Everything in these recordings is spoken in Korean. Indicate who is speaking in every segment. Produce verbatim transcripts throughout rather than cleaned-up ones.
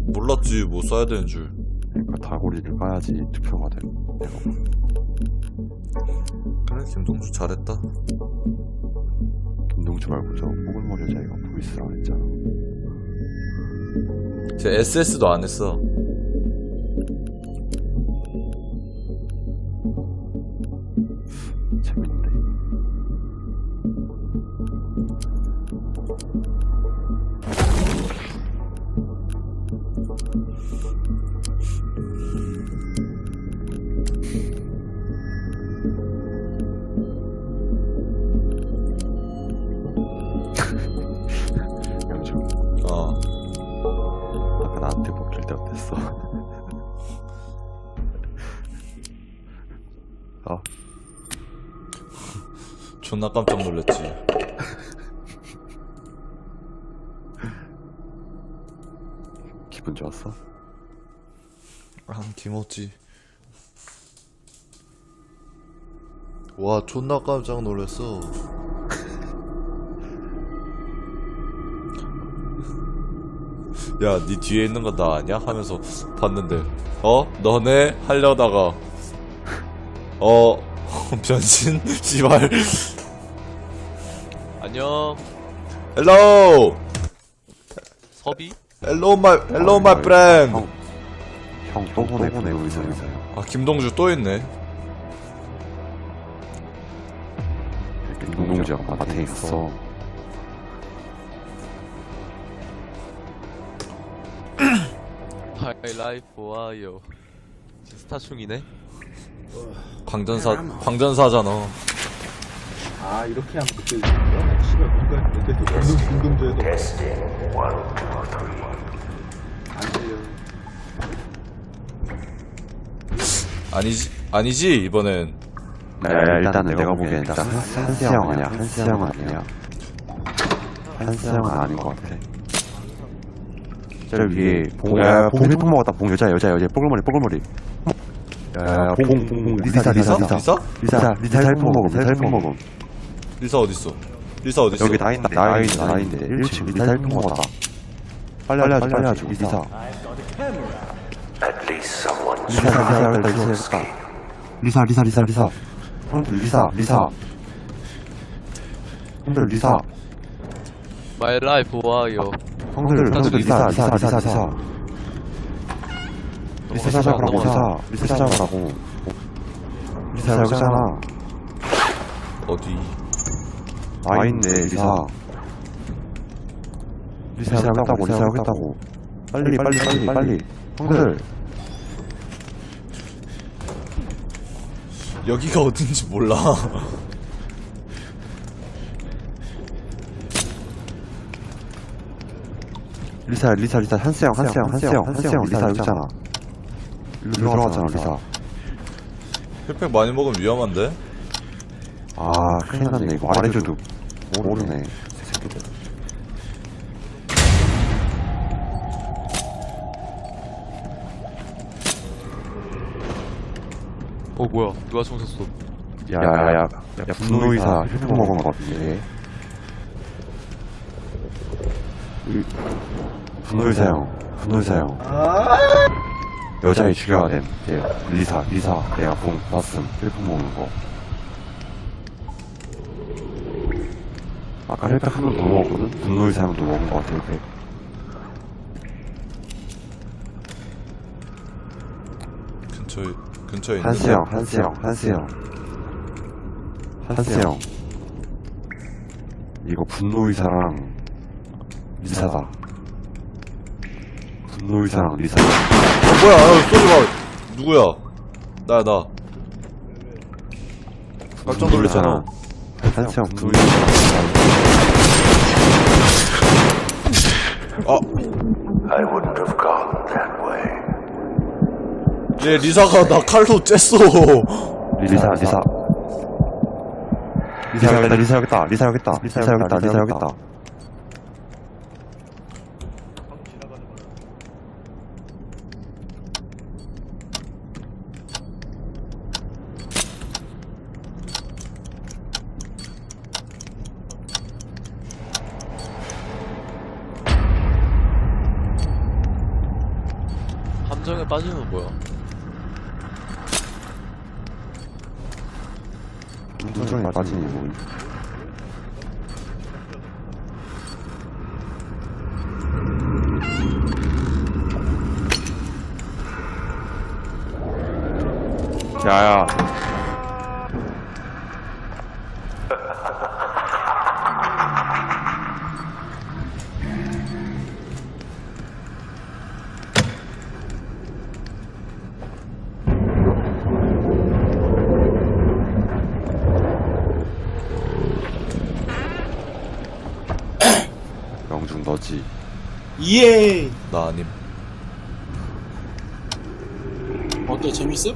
Speaker 1: 몰랐지 뭐 써야 되는 줄.
Speaker 2: 그러니까 다고리를 까야지 투표가 돼.
Speaker 1: 그래 김동주 잘했다.
Speaker 2: 김동주 말고 저 뽀글머리 여자애가 보이스라고 했잖아.
Speaker 1: 쟤 에스에스도 안 했어.
Speaker 2: 재밌는데. 양주.
Speaker 1: 어.
Speaker 2: 아까 나한테 먹힐 때 어땠어? 어?
Speaker 1: 존나 깜짝 놀랐지.
Speaker 2: 기분 좋았어?
Speaker 1: 아 김었지. 와 존나 깜짝 놀랐어. 야, 니 뒤에 있는 거 나 아냐? 하면서 봤는데, 어? 너네? 하려다가, 어, 변신? 씨발.
Speaker 3: 안녕
Speaker 1: 헬로!
Speaker 3: 섭이?
Speaker 1: 헬로 마이, 헬로 마이 프렌드!
Speaker 2: 형, 형, 또 보내, 보내, 의사, 의사요.
Speaker 1: 아, 김동주 또 있네.
Speaker 2: 김동주가 밭에 있어.
Speaker 3: 하이라이프 와요 스타충이네.
Speaker 1: 광전사, 광전사잖아.
Speaker 4: 아 이렇게 하면 그때 이거야? 씨발 뭔가 그때 또 운동 운동조에도 안 돼요.
Speaker 1: 아니지, 아니지, 이번엔.
Speaker 2: 네, 일단은 내가 보기엔 일단 한스 형 아니야. 한스 형은 아니야. 한스 형은 아닌 것 같아. 저 위에 봉, 야, 봉 해품 먹었다. 봉 여자, 여자, 여자. 뽀글머리, 뽀글머리. 야, 봉, 봉, 봉, 리사, 리사, 리사.
Speaker 1: 리사?
Speaker 2: 리사, 리사 해품 먹음, 리사 해품 먹음.
Speaker 1: 리사 어딨어? 리사 어딨어?
Speaker 2: 여기 나 있다, 나 있다, 나 있는데. 일 층 리사 해품 먹었다. 빨리 하자, 빨리 하자, 리사. 리사, 리사, 리사, 리사, 리사, 리사, 리사. 형들, 리사, 리사. 형들, 리사.
Speaker 3: 마이 라이프 와요.
Speaker 2: 형들, 형들, 리사, 리사, 리사, 리사. 리사 잡으라고, 리사. 리사 잡으라고. 리사 여기잖아.
Speaker 1: 어디?
Speaker 2: 와 있네, 리사. 리사 여기 있다고, 리사 여기 있다고. 빨리, 빨리, 빨리, 빨리. 형들.
Speaker 1: 여기가 어딘지 몰라.
Speaker 2: 리사, 리사, 리사. 한스 형, 한스 형, 한스 형, 한스 형. 리사 여기 있잖아. 일로 들어가잖아, 리사.
Speaker 1: 혈팩 많이 먹으면 위험한데?
Speaker 2: 아, 큰일 났네. 이거 말해줘도 모르네. 새끼들.
Speaker 3: 어 뭐야 누가 총 쐈어.
Speaker 2: 야, 야, 야. 야, 분노의사 혈팩 먹은 것 같은데. 이- 분노의사 형, 분노의사 형. 여자애 죽여야 됨. 얘, 리사, 리사. 내가 본, 봤음. 혈팩 먹는 거. 아까 혈팩 한 번 더 먹었거든? 분노의사 형도 먹은 것 같아, 혈팩.
Speaker 1: 근처에, 근처에 있는.
Speaker 2: 한스 형, 한스 형, 한스 형. 한스 형. 이거 분노의사랑 리사다. 분노의사랑 리사.
Speaker 1: 어, 뭐야, 아, 쏘지 마. 누구야? 나야, 나. 깜짝 놀랐잖아.
Speaker 2: 한스 형, 분노의사.
Speaker 1: 아. 얘 리사가 나 칼로 쬐어.
Speaker 2: 리사, 리사. 리사 여기다, 리사 여기다, 리사 여기다, 리사 여기다, 리사 여기다.
Speaker 3: 함정에 빠지면 뭐야?
Speaker 2: 함정에 빠지니 뭐. 야야. 영중 너지.
Speaker 5: 예.
Speaker 1: 나 아님.
Speaker 5: 어때 재밌음?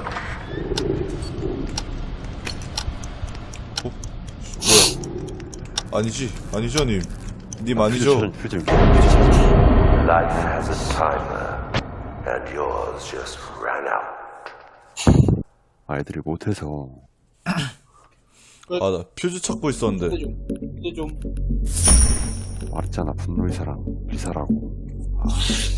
Speaker 1: 아니지, 아니죠, 님. 님 아니죠.
Speaker 2: 표정, 표정.
Speaker 6: Life has a timer, and yours just ran out.
Speaker 2: 아이들이 못해서.
Speaker 1: 아, 나 퓨즈 찾고 있었는데.
Speaker 5: 근데 좀 근데 좀
Speaker 2: 말했잖아, 분노의 사랑, 비사라고. 아.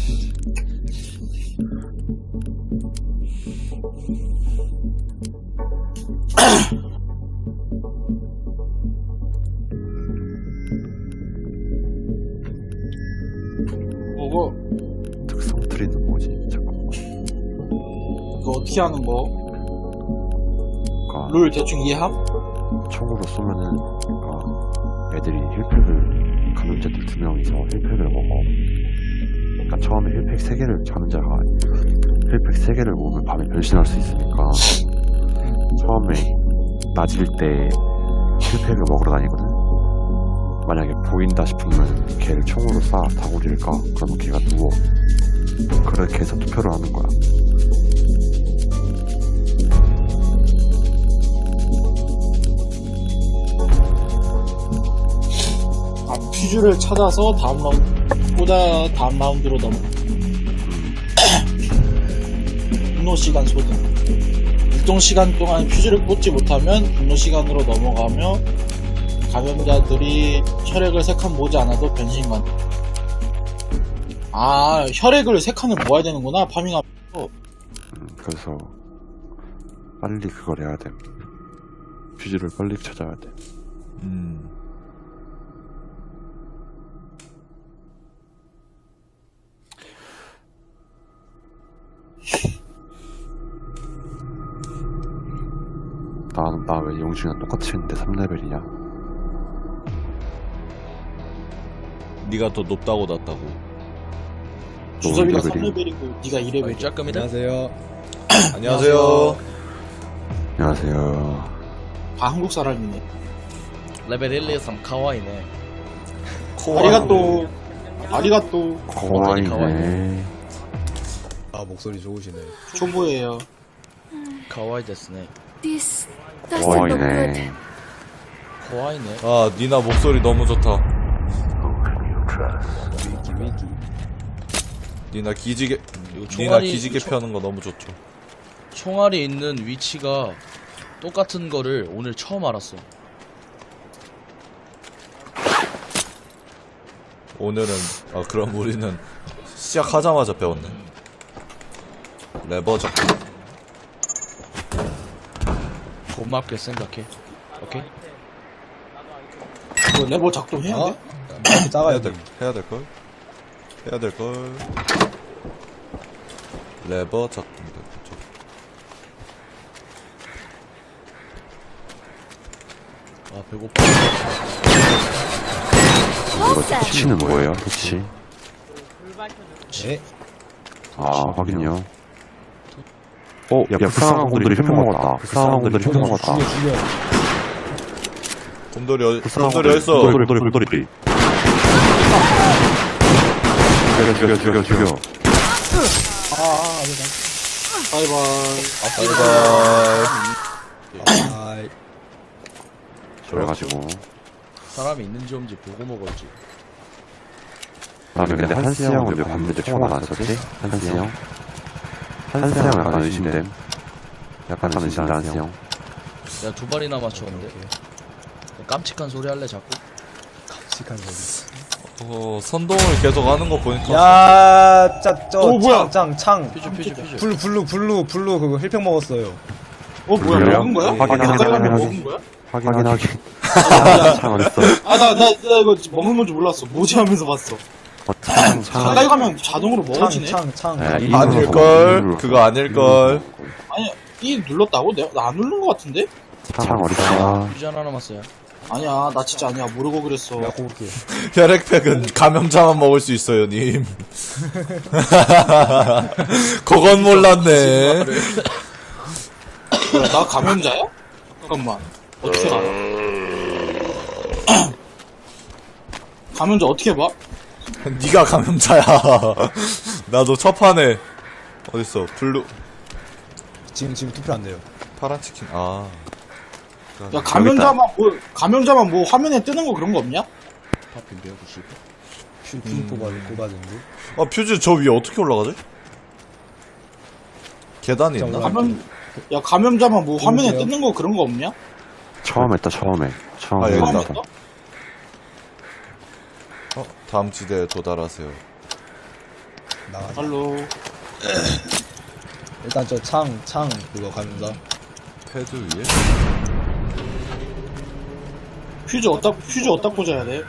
Speaker 5: 뭐고?
Speaker 2: 특성 트리는 뭐지? 잠깐만.
Speaker 5: 그거 어떻게 하는 거?
Speaker 2: 그러니까
Speaker 5: 룰 대충 이해함?
Speaker 2: 총으로 쏘면은, 그러니까 애들이 힐팩을, 감염자들 두 명이서 힐팩을 먹어. 그러니까 처음에 힐팩 세 개를, 감염자가 힐팩 세 개를 먹으면 밤에 변신할 수 있으니까, 처음에 낮일 때 힐팩을 먹으러 다니거든? 만약에 보인다 싶으면 걔를 총으로 쏴, 다구리를 까. 그러면 걔가 누워. 그렇게 해서 투표를 하는 거야.
Speaker 5: 아 퓨즈를 찾아서 다음 라운드 보다 다음 라운드로 넘어. 분노 시간 소등. 일정 시간 동안 퓨즈를 꽂지 못하면 분노 시간으로 넘어가며 감염자들이 혈액을 세 칸 모지 않아도 변신만. 아 혈액을 세 칸을 모아야 되는구나 파밍하면.
Speaker 2: 음, 그래서 빨리 그걸 해야 돼. 퓨즈를 빨리 찾아야 돼.
Speaker 1: 음.
Speaker 2: 나는 나 왜 영준이랑 똑같이 했는데 삼 레벨이냐?
Speaker 1: 네가 더 높다고 낮다고.
Speaker 5: 주섭이가 삼
Speaker 2: 레벨이?
Speaker 5: 레벨이고 네가 이 레벨.
Speaker 3: 짝금이다.
Speaker 1: 안녕하세요.
Speaker 2: 안녕하세요.
Speaker 5: 다 한국 사람이네.
Speaker 3: 레벨 일, 이, 삼 카와이네.
Speaker 5: 아리가또. 아리가또.
Speaker 2: 거와이네.
Speaker 7: 아 목소리 좋으시네.
Speaker 5: 초보예요.
Speaker 3: 카와이 데스네.
Speaker 8: This doesn't look good.
Speaker 2: 거와이네.
Speaker 3: 카와이네.
Speaker 1: 아, 니나 목소리 너무 좋다.
Speaker 7: 위기 위기.
Speaker 1: 니나 기지개,
Speaker 3: 이거
Speaker 1: 니나
Speaker 3: 총알이-
Speaker 1: 기지개
Speaker 3: 총-
Speaker 1: 펴는 거 너무 좋죠.
Speaker 3: 총알이 있는 위치가 똑같은 거를 오늘 처음 알았어.
Speaker 1: 오늘은, 아, 그럼 우리는 시작하자마자 배웠네. 레버 적기.
Speaker 3: 고맙게 생각해. 오케이?
Speaker 5: 그 레버 작동해야
Speaker 7: 어?
Speaker 5: 돼?
Speaker 7: 이렇게
Speaker 1: 해야
Speaker 7: 작아야
Speaker 1: 될,
Speaker 7: 돼.
Speaker 1: 해야 될걸? 해야 될걸? 레버 적기. 레버 적기.
Speaker 3: 아 배고파.
Speaker 2: 이거 터치는 뭐예요? 터치?
Speaker 7: 네.
Speaker 2: 아, 확인요. 어, 야, 불쌍한 곰돌이 힐팩 먹었다. 불쌍한 곰돌이 힐팩 먹었다.
Speaker 7: 죽여 죽여.
Speaker 1: 곰돌이, 어,
Speaker 2: 불쌍한
Speaker 1: 곰돌이 어딨어?
Speaker 2: 곰돌이, 곰돌이, 곰돌이. 죽여, 죽여, 죽여, 죽여.
Speaker 5: 아, 아, 아니다. 바이바이.
Speaker 1: 바이바이.
Speaker 7: 아,
Speaker 2: 그래가지고.
Speaker 3: 사람이 있는지 없는지 보고 먹었지.
Speaker 2: 다음에 근데 한스 형은 왜 밤늦게 총알 안 썼지? 한스 형? 한스 형 약간 의심됨. 약간 의심돼, 한스 형.
Speaker 3: 내가 두 발이나 맞췄는데. 깜찍한 소리 할래 자꾸?
Speaker 7: 깜찍한 소리.
Speaker 1: 어, 선동을 계속 하는 거 보니까.
Speaker 9: 야, 짜, 저,
Speaker 5: 어, 뭐야?
Speaker 9: 창, 창, 창.
Speaker 3: 퓨즈 퓨즈 퓨즈.
Speaker 9: 블루, 블루, 블루, 블루, 그거 힐팩 먹었어요.
Speaker 5: 어 뭐야
Speaker 2: 그래요?
Speaker 5: 먹은 거야?
Speaker 2: 확인,
Speaker 5: 가까이
Speaker 2: 확인,
Speaker 5: 가면
Speaker 2: 확인.
Speaker 5: 먹은 거야?
Speaker 2: 확인하기. 창 어딨어?
Speaker 5: 아나 나 나 이거 먹는 건지 몰랐어. 뭐지 하면서 봤어.
Speaker 2: 어, 창, 창.
Speaker 5: 가까이 가면 자동으로
Speaker 9: 창,
Speaker 5: 먹어지네.
Speaker 9: 창, 창.
Speaker 2: 네, 이
Speaker 1: 아닐걸?
Speaker 2: 눌렀어.
Speaker 1: 그거 아닐걸?
Speaker 5: 아니 이 눌렀다고? 내가 나 안 누른 거 같은데?
Speaker 2: 창 어딨어?
Speaker 3: 퓨즈 하나 남았어요.
Speaker 5: 아니야 나 진짜 아니야 모르고 그랬어.
Speaker 9: 내가 고를게.
Speaker 1: 혈액팩은 감염자만 먹을 수 있어요, 님. 그건 몰랐네.
Speaker 5: 뭐야 나 감염자야? 잠깐만 어떻게 알아? 감염자 어떻게 봐?
Speaker 1: 니가 감염자야. 나도 첫 판에 어딨어? 블루
Speaker 9: 지금, 지금 투표 안 돼요.
Speaker 1: 파란 치킨. 아.
Speaker 5: 야 감염자만 뭐 감염자만 뭐 화면에 뜨는 거 그런 거 없냐?
Speaker 3: 파핀 백구십.
Speaker 9: 퓨, 퓨 뽑아, 뽑아준데.
Speaker 1: 아, 퓨즈 저 위에 어떻게 올라가지? 계단이 있나?
Speaker 5: 감염 야 감염자만 뭐 화면에
Speaker 9: 누구세요?
Speaker 5: 뜨는 거 그런 거 없냐?
Speaker 2: 처음 했다, 처음에.
Speaker 1: 아,
Speaker 2: 처음에
Speaker 1: 여기
Speaker 5: 처음
Speaker 1: 있다.
Speaker 2: 했다.
Speaker 5: 했어?
Speaker 1: 어, 다음 지대에 도달하세요.
Speaker 9: 나가자.
Speaker 5: 발로
Speaker 9: 일단 저 창, 창, 그거 감자.
Speaker 1: 패드 위에?
Speaker 5: 퓨즈 어디다 퓨즈 어디다 꽂아야 돼?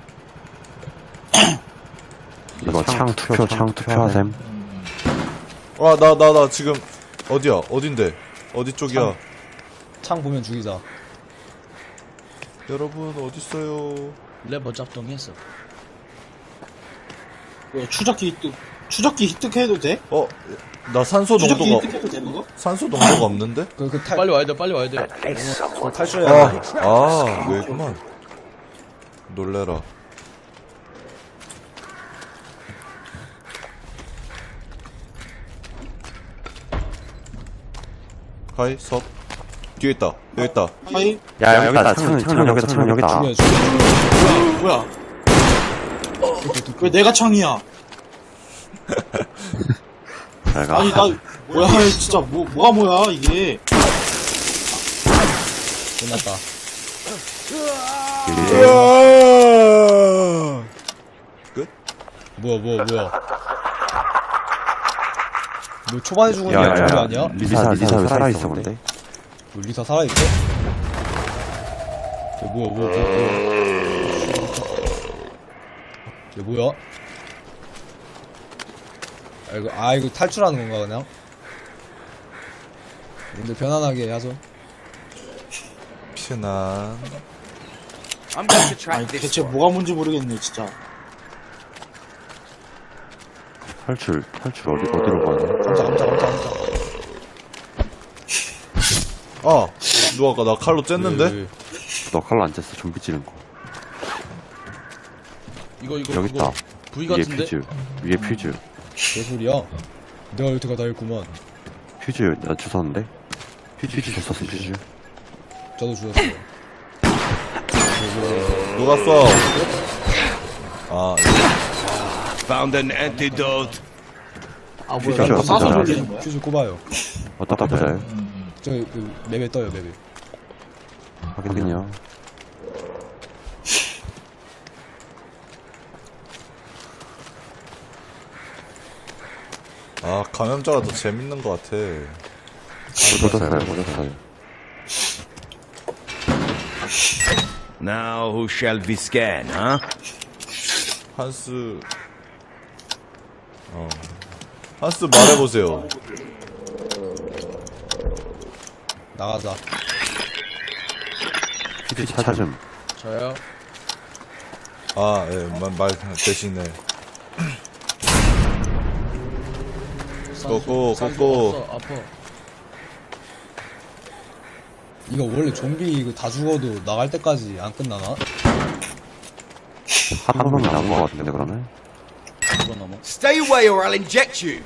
Speaker 2: 이거 창 투표, 창 투표하셈.
Speaker 1: 아, 나, 나, 나 지금 어디야? 어딘데? 어디 쪽이야?
Speaker 9: 창 보면 죽이자.
Speaker 1: 여러분 어딨어요?
Speaker 3: 레버 작동했어.
Speaker 5: 뭐야 추적기 획득 추적기 획득해도 돼?
Speaker 1: 어, 나 산소
Speaker 5: 추적기
Speaker 1: 농도가
Speaker 5: 획득해도 되는 거?
Speaker 1: 산소 농도가 없는데?
Speaker 9: 그, 그 탈,
Speaker 3: 빨리 와야 돼 빨리 와야 돼.
Speaker 6: At least someone
Speaker 9: 탈출해야
Speaker 1: 아,
Speaker 9: 돼.
Speaker 1: 아, 왜구만. 놀래라. 하이, 섭. 뒤에 있다. 여기 있다.
Speaker 5: 하이
Speaker 2: 야, 여기다, 창, 창 여기다, 창 여기다.
Speaker 9: 죽여, 죽여.
Speaker 5: 뭐야? 왜 내가 창이야?
Speaker 2: 잘 가.
Speaker 5: 아니 나 뭐야 진짜 뭐 뭐가 뭐야 이게?
Speaker 9: 끝났다.
Speaker 1: 끝?
Speaker 9: 뭐야, 뭐야, 뭐야. 뭐 초반에 죽은 게
Speaker 2: 야, 야,
Speaker 9: 아닌 거
Speaker 2: 야.
Speaker 9: 아니야?
Speaker 2: 리사, 리사 왜 살아있어, 근데?
Speaker 9: 뭐 리사 살아있어? 야, 뭐야, 뭐야, 뭐야, 뭐야. 야, 뭐야? 아, 이거, 아, 이거 탈출하는 건가, 그냥? 근데 편안하게 하죠.
Speaker 1: 피난.
Speaker 5: 아니 대체 뭐가 뭔지 모르겠네 진짜.
Speaker 2: 탈출, 탈출 어디, 어디로 가야 돼?
Speaker 9: 깜짝, 깜짝, 깜짝, 깜짝.
Speaker 1: 아, 누가 아까 나 칼로 쬐는데?
Speaker 9: 왜, 왜.
Speaker 2: 너 칼로 안 쬐어, 좀비 찌른 거.
Speaker 3: 이거 이거
Speaker 2: 여기
Speaker 3: 이거
Speaker 2: 있다.
Speaker 3: 부위
Speaker 2: 위에
Speaker 3: 같은데?
Speaker 2: 퓨즈. 위에 퓨즈.
Speaker 9: 개소리야? 내가 여태가 다 했구만.
Speaker 2: 퓨즈, 나 주웠는데? 퓨즈, 퓨즈 줬었어, 퓨즈.
Speaker 9: 저도 주웠어요.
Speaker 1: 누가 써? 아,
Speaker 7: Found an antidote.
Speaker 5: 아
Speaker 2: 퓨즈
Speaker 5: 뭐야? 이거
Speaker 2: 줬어,
Speaker 5: 싸서
Speaker 2: 나.
Speaker 5: 돌리는 거야?
Speaker 9: 퓨즈 꼽아요.
Speaker 2: 어디다 퓨즈요?
Speaker 9: 저기, 그, 맵에 떠요, 맵에.
Speaker 2: 확인요.
Speaker 1: 아, 감염자가 더 재밌는 것 같아.
Speaker 2: 묻었어요, 묻었어요.
Speaker 7: Now who shall we scan, huh?
Speaker 1: 한스. 어. 한스 말해보세요.
Speaker 9: 나가자.
Speaker 2: 퓨즈 찾음.
Speaker 3: 저요.
Speaker 1: 아, 예, 말, 말 대신에. 꼬꼬,
Speaker 3: 산소
Speaker 1: 꼬꼬.
Speaker 3: 없어, 아파.
Speaker 9: 이거 원래 좀비 이거 다 죽어도 나갈 때까지 안 끝나나?
Speaker 2: 한 놈이 나온 거 같은데, 그러면?
Speaker 3: 이거 넘어.
Speaker 7: Stay away or I'll inject you.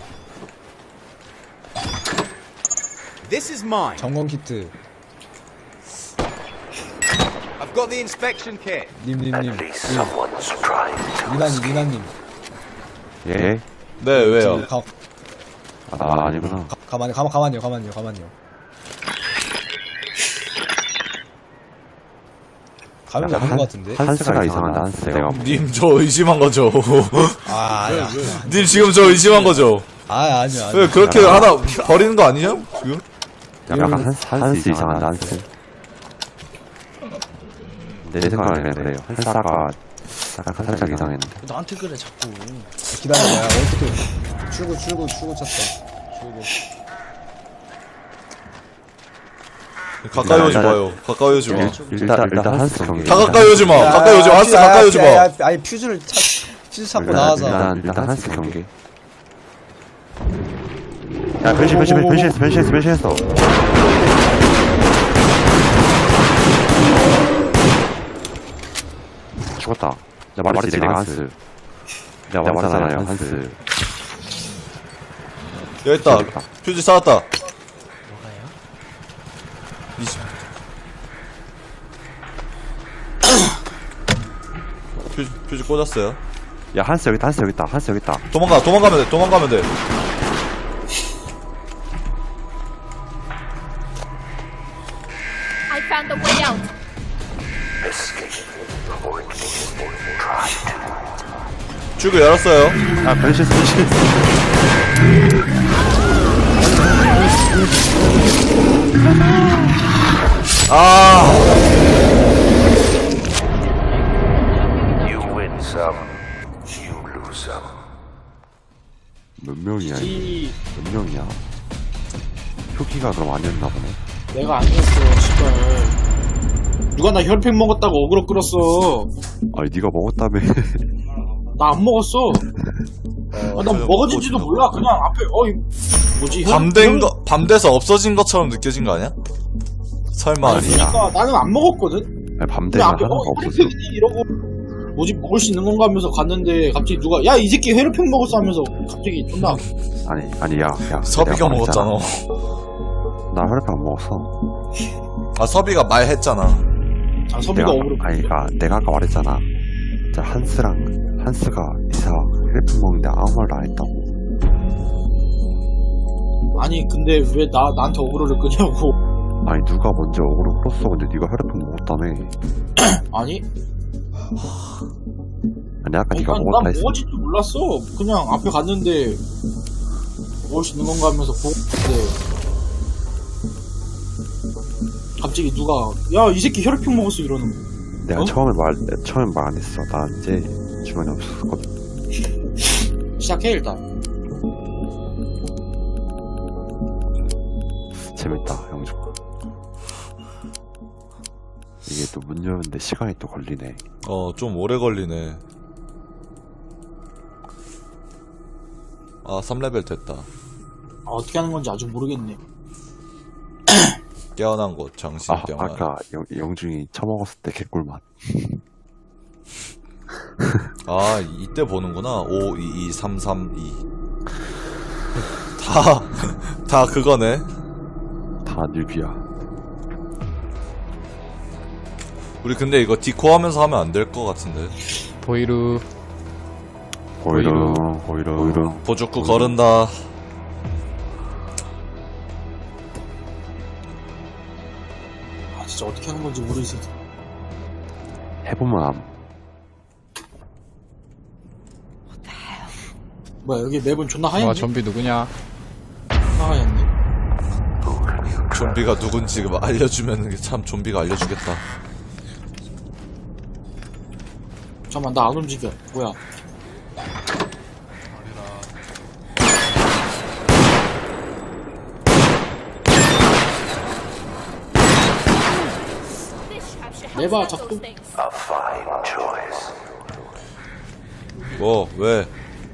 Speaker 7: This is mine.
Speaker 9: 점검 키트.
Speaker 7: I've got the inspection kit.
Speaker 9: 님님님.
Speaker 6: At least someone's trying.
Speaker 9: 미나님, 미나님.
Speaker 2: 예?
Speaker 1: 네, 왜요?
Speaker 9: 가,
Speaker 2: 아, 아니구나.
Speaker 9: 가, 가만히, 가만, 가만히요, 가만히요, 가만히요. 감이 없는 것 같은데.
Speaker 2: 한스가 이상한데 한스 내가
Speaker 1: 님 저 의심한 거죠.
Speaker 9: 아, 아니야.
Speaker 1: 님 지금 저 의심한 거죠.
Speaker 9: 아, 아니야. 아니야.
Speaker 1: 왜 그렇게 하나 버리는 거 아니냐? 지금?
Speaker 2: 약간 한스, 한스 이상한데 한스 내 생각에는 그래요. 한스가 약간 살짝 이상했는데
Speaker 3: 나한테 그래 자꾸.
Speaker 9: 기다려. 야, 어떻게. 출구, 출구, 출구 찾다. 출구.
Speaker 1: 가까이 오지 마요. 가까이 오지 마.
Speaker 2: 일단 일단 한스 경기
Speaker 1: 다 가까이 오지 마. 가까이 오지 마. 한스
Speaker 9: 야,
Speaker 1: 가까이 오지
Speaker 9: 야,
Speaker 1: 마.
Speaker 9: 야, 아니, 퓨즈를 찾, 퓨즈 찾고
Speaker 2: 일단,
Speaker 9: 나와서.
Speaker 2: 일단 일단 한스 경기 야 변신 변신 변신 변신했어 변신했어 변신했어 죽었다 내가 말했지 내가 한스 내가 말했잖아요 한스
Speaker 1: 여기 있다. 퓨즈 쌓았다. 뭐가요? 퓨즈, 퓨즈 꽂았어요.
Speaker 2: 야 한스 여기 있다 한스 여기 있다 한스 여기 있다
Speaker 1: 도망가, 도망가면 돼, 도망가면 돼.
Speaker 8: I found the way out.
Speaker 1: 출구 열었어요.
Speaker 2: 야 변신했어 변신했어
Speaker 1: 아,
Speaker 6: You win some, you lose some.
Speaker 2: 몇 명이야 이게?
Speaker 5: 이
Speaker 2: 몇 명이야 표기가 그럼 아니었나 보네
Speaker 5: 내가 아니었어 씨발. 누가 나 혈팩 먹었다고 어그로 끌었어.
Speaker 2: 아니 네가 먹었다며
Speaker 5: 나 안 먹었어. 아, 난 먹어진지도 몰라. 그냥 앞에 어이 뭐지? 혈-
Speaker 1: 밤된
Speaker 5: 혈-
Speaker 1: 거, 밤 돼서 없어진 것처럼 느껴진 거 아니야? 설마 아니야?
Speaker 5: 그러니까 나는 안 먹었거든.
Speaker 2: 아니, 밤
Speaker 5: 근데
Speaker 2: 되면
Speaker 5: 앞에
Speaker 2: 하나가
Speaker 5: 어
Speaker 2: 없었어
Speaker 5: 혈팩이지 이러고 뭐지 먹을 수 있는 건가 하면서 갔는데 갑자기 누가 야 이 새끼 혈팩 먹었어 하면서 갑자기 존나
Speaker 2: 아니 아니 야야
Speaker 1: 서비가 먹었잖아.
Speaker 2: 나 혈액 안 먹었어
Speaker 1: 아, 서비가 말했잖아.
Speaker 5: 아 선비가
Speaker 2: 내가
Speaker 5: 어그로
Speaker 2: 아니 그니까 내가 아까 말했잖아 자 한스랑 한스가 이사 혈액 먹는데 아무 말도 안 했다고
Speaker 5: 아니 근데 왜 나 나한테 어그로를 끄냐고.
Speaker 2: 아니 누가 먼저 어그로 끌었어 근데 네가 혈액 먹었다며
Speaker 5: 아니
Speaker 2: 아니 아까
Speaker 5: 아니,
Speaker 2: 네가
Speaker 5: 난,
Speaker 2: 먹었다
Speaker 5: 난
Speaker 2: 했어
Speaker 5: 먹어진지 몰랐어. 그냥 앞에 갔는데 먹을 수 있는 건가 하면서 보고 있는데 갑자기 누가 야 이 새끼 혈액팩 먹었어 이러는 거.
Speaker 2: 내가
Speaker 5: 어?
Speaker 2: 처음에 말 처음에 말 안 했어 나 이제 주변에 없었거든
Speaker 5: 시작해 일단.
Speaker 2: 재밌다 영주 이게 또 문 여는데 시간이 또 걸리네
Speaker 1: 어, 좀 오래 걸리네. 아, 삼 레벨 됐다.
Speaker 5: 아, 어떻게 하는 건지 아직 모르겠네.
Speaker 1: 깨어난 곳, 장신
Speaker 2: 아
Speaker 1: 깨어난.
Speaker 2: 아까 영, 영중이 처먹었을 때 개꿀맛
Speaker 1: 아, 이때 보는구나. 오, 이, 이, 삼, 삼, 이. 다, 다 그거네.
Speaker 2: 다 뉴비야
Speaker 1: 우리 근데 이거 디코 하면서 하면 안 될 것 같은데.
Speaker 9: 보이루.
Speaker 2: 보이름 보이름 보이름
Speaker 1: 보조구 거른다.
Speaker 5: 아, 진짜 어떻게 하는 건지 모르겠어.
Speaker 2: 해보면 암
Speaker 5: 뭐야, 여기 맵은 존나
Speaker 9: 와,
Speaker 5: 하얀데?
Speaker 9: 좀비 누구냐?
Speaker 5: 존나 하얀데?
Speaker 1: 좀비가 누군지 알려주면 참 좀비가 알려주겠다.
Speaker 5: 잠깐만, 나 안 움직여. 뭐야. 내봐, 자꾸.
Speaker 6: A fine choice.
Speaker 1: 뭐, 왜?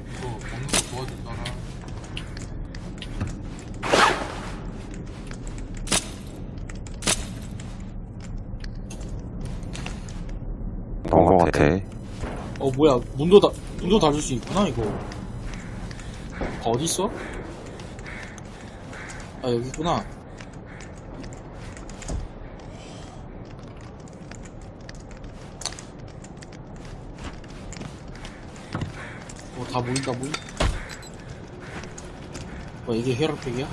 Speaker 2: 본거 같아
Speaker 5: 어, 뭐야. 문도 다, 문도 닫을 수 있구나, 이거. 어딨어? 아, 여기 있구나. 어, 다 보인다, 보인? 어, 이게 혈압팩이야?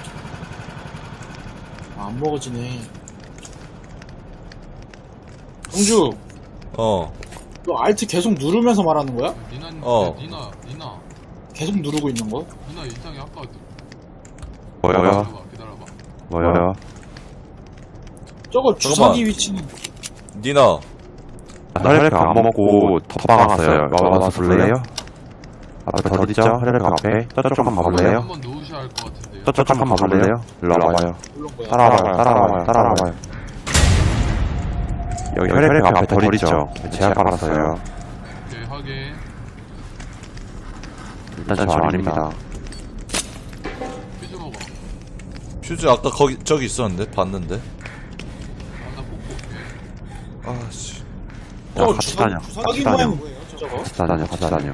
Speaker 5: 아, 안 먹어지네. 공주,
Speaker 1: 어,
Speaker 5: 너 알트 계속 누르면서 말하는 거야?
Speaker 9: 니나
Speaker 1: 어.
Speaker 9: 니나 니나
Speaker 5: 계속 누르고 있는 거?
Speaker 9: 니나 이상해 아까
Speaker 2: 뭐야?
Speaker 9: 기다려봐 기다려봐.
Speaker 2: 뭐야?
Speaker 5: 저거 주사기 위치는
Speaker 1: 니나.
Speaker 2: 혈액 안 먹고 덮방 왔어요. 와서 볼래요? 앞에 더 있죠? 혈액 앞에. 저쪽 한번 봐볼래요?
Speaker 9: 한번 놓으셔야 할 것 같은데요.
Speaker 2: 저쪽 한번 봐볼래요? 일로 와봐요.
Speaker 5: 물론 거야.
Speaker 2: 따라와봐요. 따라와봐요. 따라와봐요. 여기 혈액 앞에 덜 있죠? 제가 깔았어요.
Speaker 9: 오케이 하게.
Speaker 2: 일단 저 아닙니다.
Speaker 9: 퓨즈 먹어.
Speaker 1: 퓨즈 아까 거기, 저기 있었는데? 봤는데?
Speaker 9: 아나 뽑고 올게.
Speaker 1: 아씨.
Speaker 5: 저거
Speaker 2: 같이
Speaker 5: 주사,
Speaker 2: 다녀.
Speaker 5: 주사기
Speaker 2: 같이 다녀.
Speaker 5: 모양 뭐예요? 저거?
Speaker 2: 같이 다녀. 같이 다녀.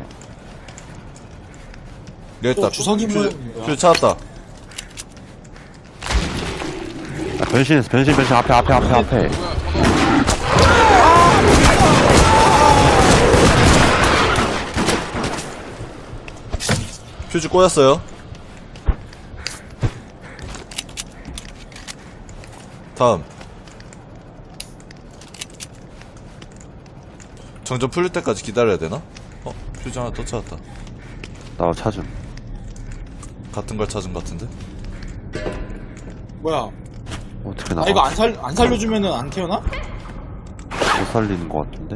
Speaker 1: 여기 있다.
Speaker 5: 저 주사기
Speaker 1: 퓨즈,
Speaker 5: 모양 뭐야?
Speaker 1: 퓨즈 찾았다.
Speaker 2: 변신, 변신, 변신. 앞에, 앞에, 앞에, 앞에.
Speaker 1: 퓨즈 꼬였어요. 다음. 정전 풀릴 때까지 기다려야 되나? 어, 퓨즈 하나 또 찾았다.
Speaker 2: 나 찾음.
Speaker 1: 같은 걸 찾은 것 같은데?
Speaker 5: 뭐야?
Speaker 2: 어떻게
Speaker 5: 나
Speaker 2: 나가?
Speaker 5: 이거 안 살, 안 살려주면은 안 태어나?
Speaker 2: 못 살리는 것 같은데?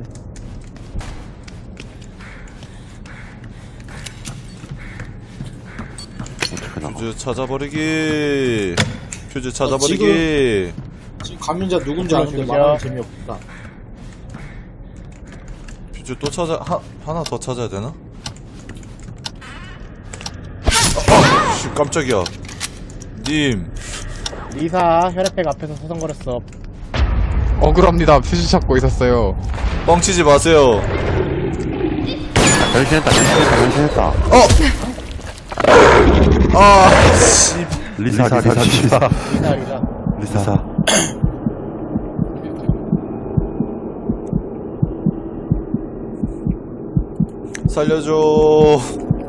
Speaker 2: 어떻게 나가?
Speaker 1: 퓨즈 찾아버리기. 퓨즈 찾아버리기.
Speaker 5: 지금 감염자 누군지 아는데 말하는 재미없다.
Speaker 1: 퓨즈 또 찾아, 하, 하나 더 찾아야 되나? 아, 씨, 깜짝이야. 님.
Speaker 10: 리사 혈액팩 앞에서 서성거렸어.
Speaker 11: 억울합니다. 퓨즈 찾고 있었어요.
Speaker 1: 뻥치지 마세요.
Speaker 2: 변신했다, 변신했다, 변신했다.
Speaker 1: 아, 씨.
Speaker 2: 리사, 리사, 리사.
Speaker 10: 리사 리사.
Speaker 2: 리사.
Speaker 1: 살려줘.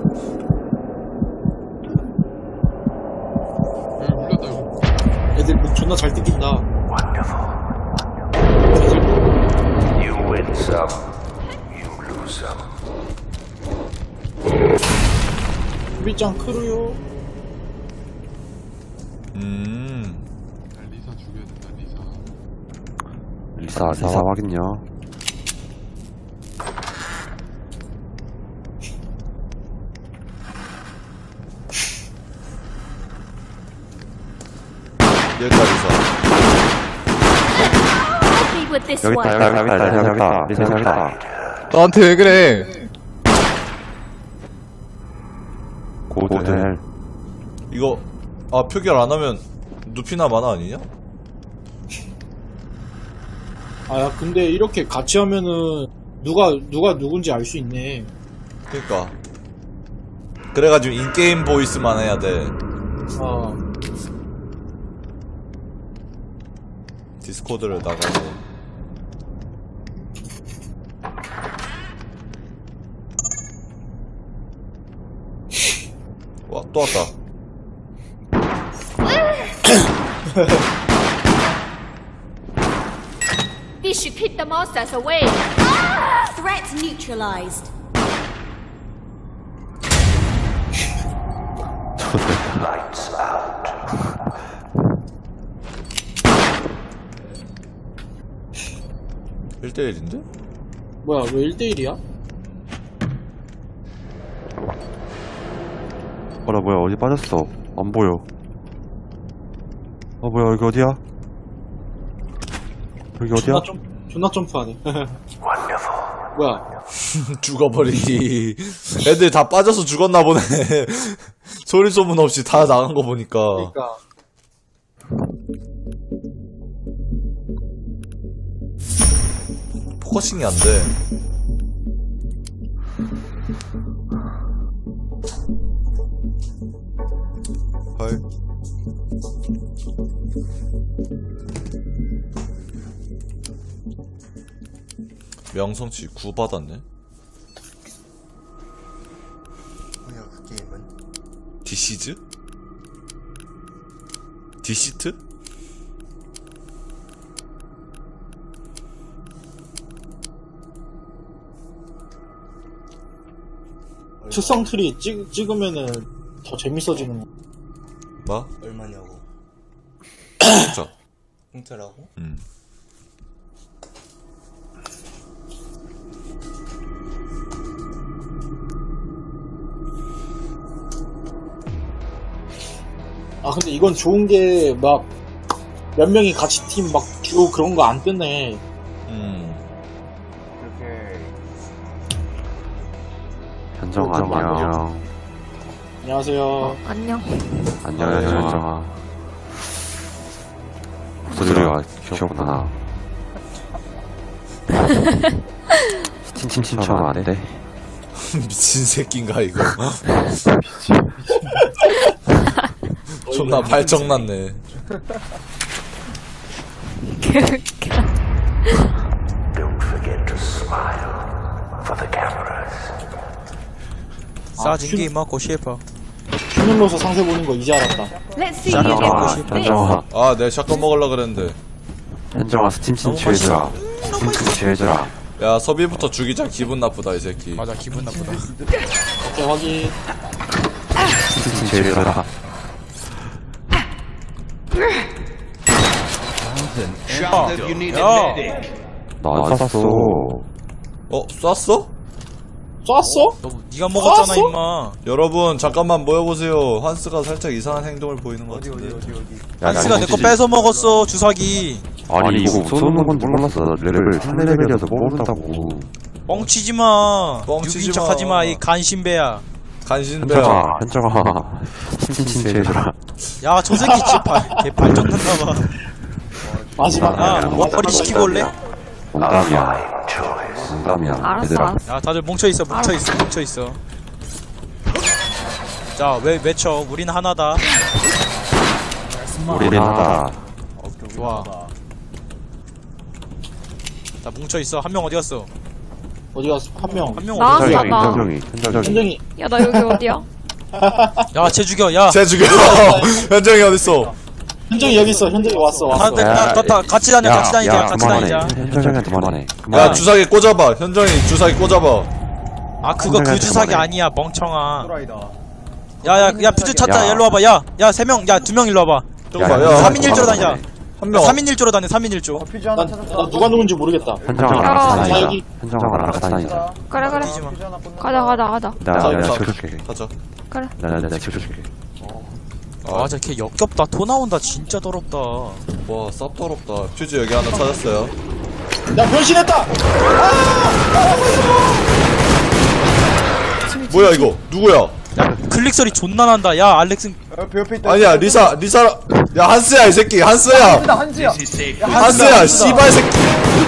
Speaker 9: 여기 물렸다 이거.
Speaker 5: 애들 목 존나 잘 뜯긴다.
Speaker 6: You win some, you lose some.
Speaker 5: 수비장 크루요.
Speaker 1: 음.
Speaker 9: 야, 리사 죽여야 된다 리사.
Speaker 2: 리사, 리사 확인요.
Speaker 1: 여기까지서.
Speaker 2: 여기 있다, 여기 있다, 여기 있다, 리사 여기 있다, 리사 여기 있다.
Speaker 11: 너한테 왜 그래?
Speaker 2: 고드헬.
Speaker 1: 이거, 아, 표결 안 하면, 누피나 마나 아니냐?
Speaker 5: 아, 야, 근데 이렇게 같이 하면은 누가 누가 누군지 알 수 있네.
Speaker 1: 그니까. 그래가지고 인게임 보이스만 해야 돼.
Speaker 5: 아,
Speaker 1: 디스코드를 나가고. 와, 또 왔다.
Speaker 8: This should keep the monsters away. Threat neutralized.
Speaker 6: Lights out.
Speaker 1: 일 대일인데?
Speaker 5: 뭐야, 왜 일 대 일이야?
Speaker 2: 어라, 뭐야, 어디 빠졌어? 안 보여. 어, 뭐야, 여기 어디야? 여기 어디야?
Speaker 5: 존나 점 존나 점프하네. 뭐야?
Speaker 1: 죽어버리기. 애들 다 빠져서 죽었나 보네. 소리 소문 없이 다 나간 거 보니까.
Speaker 5: 그러니까
Speaker 1: 포커싱이 안 돼. 헐. 명성치 구 받았네.
Speaker 10: 뭐야 그 게임은?
Speaker 1: 디시즈? 디시트?
Speaker 5: 특성 트리 찍, 찍으면은 더 재밌어지는 거.
Speaker 1: 뭐?
Speaker 10: 얼마냐고.
Speaker 1: 진짜.
Speaker 10: 공짜라고?
Speaker 1: 음.
Speaker 5: 아 근데 이건 좋은 게 막 몇 명이 같이 팀 막 듀오 그런 거 안 뜨네.
Speaker 1: 음.
Speaker 2: 현정 안녕.
Speaker 5: 안녕하세요.
Speaker 8: 안녕.
Speaker 2: 안녕 현정아. 목소리가 귀엽구나. 스팀 신청 안 돼?
Speaker 1: 미친 새끼인가 이거. 존나 발정났네.
Speaker 6: Don't forget to smile for the cameras.
Speaker 9: 싸진 게 먹고 싶어.
Speaker 5: 휴면로서 상세 보는 거 이제 알았다.
Speaker 8: Let's see you get
Speaker 2: 현정아,
Speaker 8: this.
Speaker 2: 현정아,
Speaker 1: 아, 내가 샷건 먹으려 그랬는데.
Speaker 2: 현정아 스팀 신청해주라. 스팀 신청해주라.
Speaker 1: 야, 서비부터 죽이자. 기분 나쁘다 이 새끼.
Speaker 9: 맞아, 기분 나쁘다.
Speaker 5: 오케이 확인.
Speaker 2: 스팀 신청해주라.
Speaker 7: Charlotte, you need
Speaker 9: 야.
Speaker 7: a medic.
Speaker 2: 나안 쐈어.
Speaker 1: 어, 쐈어?
Speaker 5: 쐈어?
Speaker 9: 너 니가 먹었잖아,
Speaker 5: 쐈어?
Speaker 9: 임마.
Speaker 1: 여러분, 잠깐만 모여보세요. 한스가 살짝 이상한 행동을 보이는 것 같은데.
Speaker 9: 한스가 내 거 뺏어 먹었어, 주사기.
Speaker 2: 아니 이거 쏘는 건지 몰랐어. 레벨 삼 레벨이어서 모른다고.
Speaker 9: 뻥치지 마.
Speaker 1: 뻥치지
Speaker 9: 유빈
Speaker 1: 마.
Speaker 9: 척하지 마, 이 간신배야.
Speaker 1: 간신배야.
Speaker 2: 현정아, 현정아, 스팀 신청해주라.
Speaker 9: 야, 저 새끼 진짜 발, 개 발전 났나봐.
Speaker 5: 마지막.
Speaker 9: 야, 머리 시키고 올래?
Speaker 2: 농담이야. 농담이야.
Speaker 8: 알았어,
Speaker 2: 얘들아.
Speaker 8: 알았어.
Speaker 9: 야, 다들 뭉쳐있어, 뭉쳐있어, 뭉쳐있어. 자, 왜, 외쳐. 우린 하나다.
Speaker 2: 우리는 하다.
Speaker 9: 좋아. 자, 뭉쳐있어. 한 명 어디 갔어?
Speaker 5: 어디 갔어? 한 명.
Speaker 9: 한 명
Speaker 8: 나-
Speaker 9: 어디 갔어?
Speaker 2: 현정이,
Speaker 8: 나-
Speaker 2: 현정이, 현정이.
Speaker 5: 현정이.
Speaker 8: 야, 나 여기 어디야?
Speaker 9: 야, 쟤 죽여, 야.
Speaker 1: 쟤 죽여. 현정이 어딨어?
Speaker 5: 현정이 여기 있어. 현정이 왔어.
Speaker 9: 다,
Speaker 5: 왔어.
Speaker 9: 다, 다, 다, 같이 다녀, 같이 다니자, 같이
Speaker 2: 그만해.
Speaker 9: 다니자.
Speaker 2: 현정이한테 그만해.
Speaker 1: 야,
Speaker 2: 그만해.
Speaker 1: 주사기 꽂아봐. 현정이 주사기 꽂아봐.
Speaker 9: 아, 그거 그
Speaker 2: 현정이한테
Speaker 9: 주사기
Speaker 2: 그만해.
Speaker 9: 아니야, 멍청아. 야, 야, 야, 퓨즈 찾자.
Speaker 2: 야.
Speaker 9: 일로 와봐. 야, 야, 세 명, 야, 두 명 일로 와봐.
Speaker 1: 저거 봐.
Speaker 2: 야,
Speaker 1: 야,
Speaker 9: 삼 인 일 조로 다니자.
Speaker 1: 한 명.
Speaker 9: 삼 인 일 조로 다녀, 삼 인 일 조.
Speaker 5: 난, 나 누가 누군지 모르겠다.
Speaker 2: 현정아
Speaker 8: 야,
Speaker 2: 알아서
Speaker 5: 자,
Speaker 2: 다니자.
Speaker 5: 여기.
Speaker 2: 현정아 알아서 다니자.
Speaker 8: 그래, 그래.
Speaker 9: 뛰지 마.
Speaker 8: 가자, 가자, 가자.
Speaker 2: 나,
Speaker 1: 자,
Speaker 2: 내가
Speaker 1: 자,
Speaker 2: 지켜줄게.
Speaker 1: 가자.
Speaker 8: 그래.
Speaker 2: 나, 나, 내가 지켜줄게.
Speaker 9: 아, 저 걔 역겹다. 토 나온다. 진짜 더럽다.
Speaker 1: 와, 쌉더럽다. 퓨즈 여기 하나 찾았어요.
Speaker 5: 야, 변신했다!
Speaker 1: 뭐야 이거? 누구야?
Speaker 9: 야, 클릭 소리 존나 난다. 야, 알렉스.
Speaker 1: 아니야, 리사, 리사. 야, 한스야 이 새끼. 한스야. 한스야, 씨발 새끼.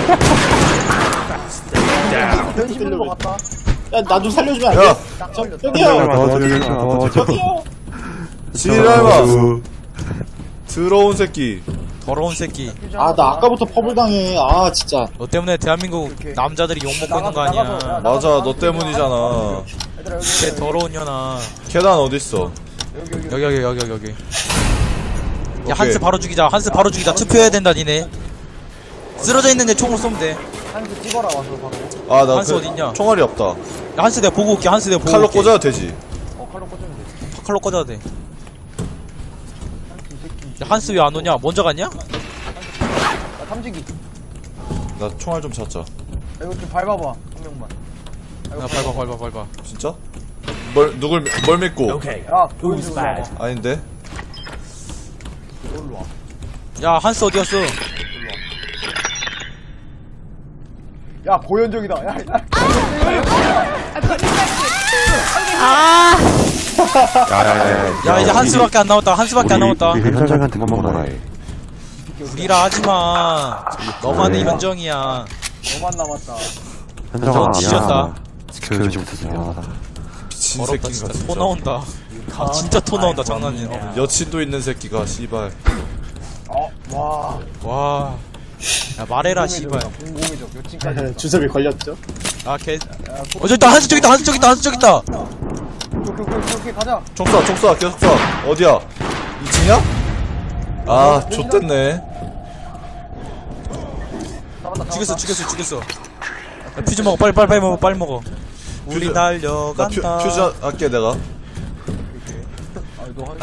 Speaker 5: 야, 나 좀 살려주면 안 돼?
Speaker 1: 야,
Speaker 5: 저, 저기요!
Speaker 2: 도와줘, 도와줘.
Speaker 5: 저기요!
Speaker 1: 지랄마. 더러운 새끼.
Speaker 9: 더러운 새끼.
Speaker 5: 아, 나 아까부터 퍼블 당해. 아, 진짜.
Speaker 9: 너 때문에 대한민국 남자들이 욕먹고 있는 거 아니야.
Speaker 1: 맞아, 너 때문이잖아.
Speaker 9: 걔 더러운 년아.
Speaker 1: 계단 어딨어?
Speaker 9: 여기, 여기, 여기, 여기, 여기. 야,
Speaker 1: 오케이.
Speaker 9: 한스 바로 죽이자. 한스 바로 죽이자. 투표해야 된다, 니네. 쓰러져 있는 애 총으로 쏘면 돼.
Speaker 1: 아, 나
Speaker 9: 한스
Speaker 1: 그,
Speaker 9: 어딨냐?
Speaker 1: 총알이 없다.
Speaker 9: 야, 한스 내가 보고 올게. 한스 내가 보고
Speaker 1: 칼로
Speaker 9: 올게.
Speaker 1: 꽂아도 되지.
Speaker 9: 칼로 꽂아도 돼. 야, 한스 왜 안 오냐? 먼저 갔냐?
Speaker 1: 나 총알 좀 찾자.
Speaker 9: 야, 밟아, 밟아, 밟아.
Speaker 1: 진짜? 뭘, 누굴, 미- 뭘 믿고? 아닌데?
Speaker 9: 야, 한스 어디 갔어?
Speaker 8: 아,
Speaker 2: 야야야.
Speaker 9: 야, 이제 한스밖에 안 남았다. 한스밖에 안 남았다.
Speaker 2: 우리 현정이한테 먹어라 해.
Speaker 9: 우리라 하지 마. 너만의 현정이야.
Speaker 2: 현정아
Speaker 9: 지졌다.
Speaker 2: 미안하다. 지켜주지 못해서 미안하다.
Speaker 1: 미친
Speaker 9: 더럽다,
Speaker 1: 새끼인가,
Speaker 9: 진짜.
Speaker 1: 진짜.
Speaker 9: 토 나온다. 아, 진짜 토 나온다. 장난이야.
Speaker 1: 여친도 있는 새끼가, 씨발.
Speaker 9: 와. 야, 말해라, 씨발.
Speaker 5: 주섭이 걸렸죠?
Speaker 9: 아, 개. 어, 저기 있다. 한스 저기 있다. 한스 저기 있다. 한스 저기 있다.
Speaker 1: 총 쏴, 총 쏴, 계속 쏴. 어디야? 이 층이야? 아, 좆됐네.
Speaker 9: 죽였어, 죽였어, 죽였어. 야, 퓨즈 먹어. 빨리, 빨리, 빨리 먹어. 빨리 먹어. 우리
Speaker 1: 퓨즈- 나 퓨,
Speaker 9: 달려간다.
Speaker 1: 퓨즈 할게 내가.
Speaker 4: 아, 너